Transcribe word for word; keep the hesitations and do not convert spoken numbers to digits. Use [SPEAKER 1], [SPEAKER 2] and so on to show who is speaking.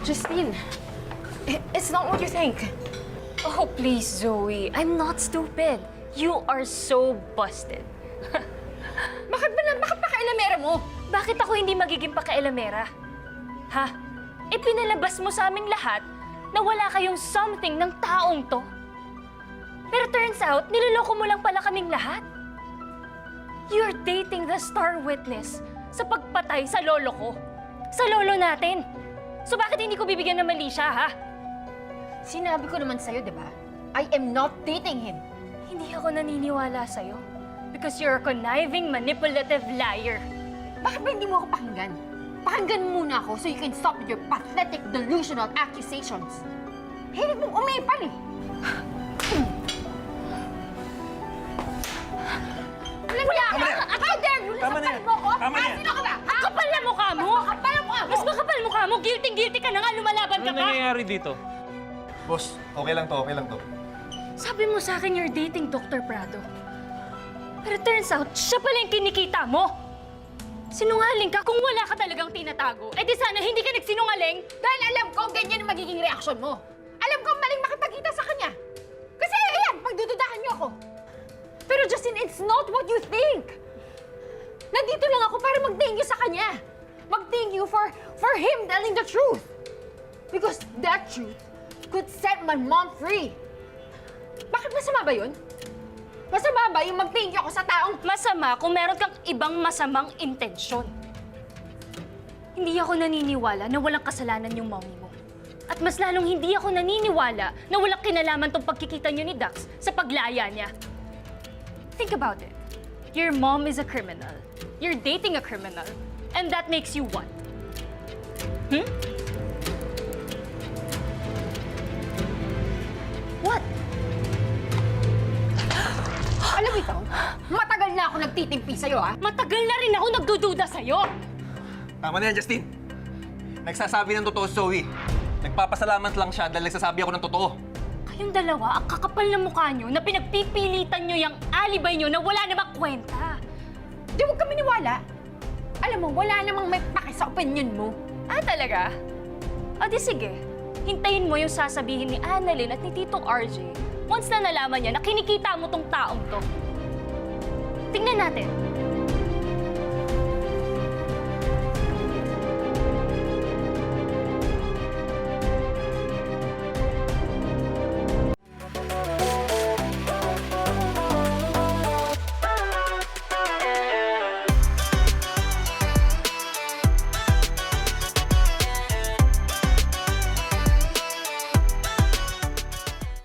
[SPEAKER 1] Justine, i- it's not what you think.
[SPEAKER 2] Oh, please, Zoe. I'm not stupid. You are so busted.
[SPEAKER 1] Bakit ba na, bakit pakailamera mo?
[SPEAKER 2] Bakit ako hindi magiging pakailamera? Ha? Ipinalabas mo sa aming lahat na wala kayong something ng taong to. Pero turns out, niloloko mo lang pala kaming lahat. You're dating the star witness sa pagpatay sa lolo ko. Sa lolo natin. So bakit hindi ko bibigyan ng mali siya, ha?
[SPEAKER 1] Sinabi ko naman sa'yo, di ba? I am not dating him.
[SPEAKER 2] Hindi ako naniniwala sa'yo. Because you're a conniving, manipulative liar.
[SPEAKER 1] Bakit ba hindi mo ako pakinggan? Pakinggan mo muna ako so you can stop with your pathetic, delusional accusations. Hilig mong umipal eh. Wala ka! How dare you!
[SPEAKER 3] Tama na yan.
[SPEAKER 1] Nasaktan mo ko?
[SPEAKER 3] Tama na yan.
[SPEAKER 1] Sino ka ba? Ha?
[SPEAKER 2] Kapal na mukha mo!
[SPEAKER 1] Kapal ang mukha mo!
[SPEAKER 2] Mas makapal mukha mo! Guilty-guilty ka na nga! Lumalaban ka
[SPEAKER 3] Ano
[SPEAKER 2] pa!
[SPEAKER 3] nangyayari dito?
[SPEAKER 4] Boss, okay lang to, okay lang to.
[SPEAKER 2] Sabi mo sa akin you're dating Doctor Prado. Pero turns out, siya pala yung kinikita mo! Sinungaling ka kung wala ka talagang tinatago. Eh di sana hindi ka nagsinungaling!
[SPEAKER 1] Dahil alam ko ganyan ang magiging reaksyon mo. Alam ko maling makipagkita sa kanya. Kasi ayan, pagdududahan niyo ako. Pero Justin, it's not what you think. Nandito lang ako para mag-thank you sa kanya. Mag-thank you for, for him telling the truth. Because that truth could set my mom free. Bakit masama ba yun? Masama ba yung mag-thank you ako sa taong...
[SPEAKER 2] Masama kung meron kang ibang masamang intensyon. Hindi ako naniniwala na walang kasalanan yung mommy mo. At mas lalong hindi ako naniniwala na walang kinalaman tong pagkikita niyo ni Dax sa paglaya niya. Think about it. Your mom is a criminal. You're dating a criminal. And that makes you what? Hmm? What?
[SPEAKER 1] Alam mo ikaw, matagal na ako nagtitimpi sa'yo, ha?
[SPEAKER 2] Matagal na rin ako nagdududa sa'yo.
[SPEAKER 4] Tama na yan, Justin. Nagsasabi ng totoo si Zoe. Nagpapasalamat lang siya dahil nagsasabi ako ng totoo.
[SPEAKER 2] Kayong dalawa, ang kakapal na mukha nyo na pinagpipilitan nyo yung alibay nyo na wala namang kwenta.
[SPEAKER 1] Di huwag kami niwala. Alam mo, wala namang may pake sa opinion mo.
[SPEAKER 2] Ah, talaga? O di sige, hintayin mo yung sasabihin ni Annalyn at ni Tito R J once na nalaman niya na kinikita mo tong taong to. Tingnan natin.